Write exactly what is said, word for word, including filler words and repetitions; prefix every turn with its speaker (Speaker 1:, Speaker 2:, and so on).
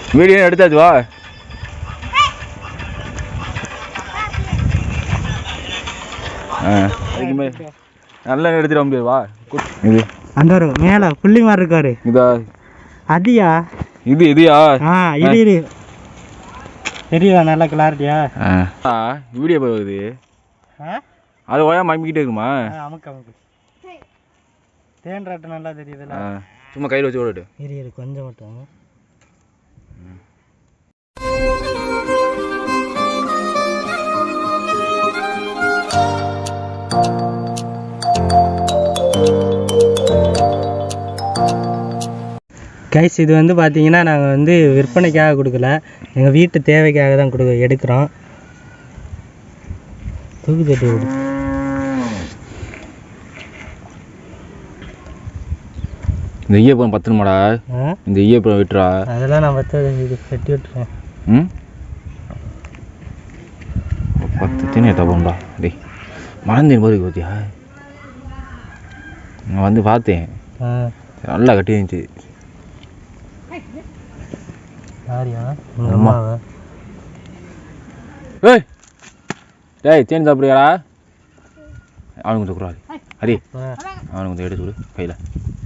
Speaker 1: Video எடுத்தாச்சு வா. நல்லா எடுத்துட்டு வர முடியாது வா. இது
Speaker 2: அந்த ஒரு மேலே புள்ளி மாதிரி இருக்காரு.
Speaker 1: இதா
Speaker 2: அதியா
Speaker 1: இது இதுயா?
Speaker 2: ஆ இது இது தெரியுதா நல்லா கிளாரிட்டியா?
Speaker 1: வீடியோ போகுது அது ஓயா மம்பிக்கிட்டே இருக்குமா?
Speaker 2: அமுக்கு அமுக்கு தேன் ராட்டு நல்லா தெரியுதுல்ல.
Speaker 1: சும்மா கையில் வச்சு ஓடிட்டு
Speaker 2: இரு இரு கொஞ்சம் மட்டும். கைஸ் இது வந்து பார்த்தீங்கன்னா நாங்கள் வந்து விற்பனைக்காக கொடுக்கல, எங்கள் வீட்டு தேவைக்காக தான் கொடு எடுக்கிறோம். தூக்கி தட்டி விடு.
Speaker 1: இந்த ஈயப்பழம் பத்தணுமாடா? இந்த ஈயப்பழம் விட்டுறா.
Speaker 2: அதெல்லாம் நான் பத்து இது கட்டி விட்டுறேன்.
Speaker 1: ம் பத்து தின்னு எட்டா போண்டா. டேய் மறந்தேன் போது கோத்தியா? நான் வந்து பார்த்தேன் நல்லா கட்டி இருந்துச்சு.
Speaker 2: யாரியா உங்கள் அம்மாவை?
Speaker 1: ஏய் டேய் தேன் சாப்பிடுறியாடா? அவனுக்கு கொஞ்சம் குறாது. ஹரி அவனுக்கு கொஞ்சம் எடுத்து கொடு கையில்.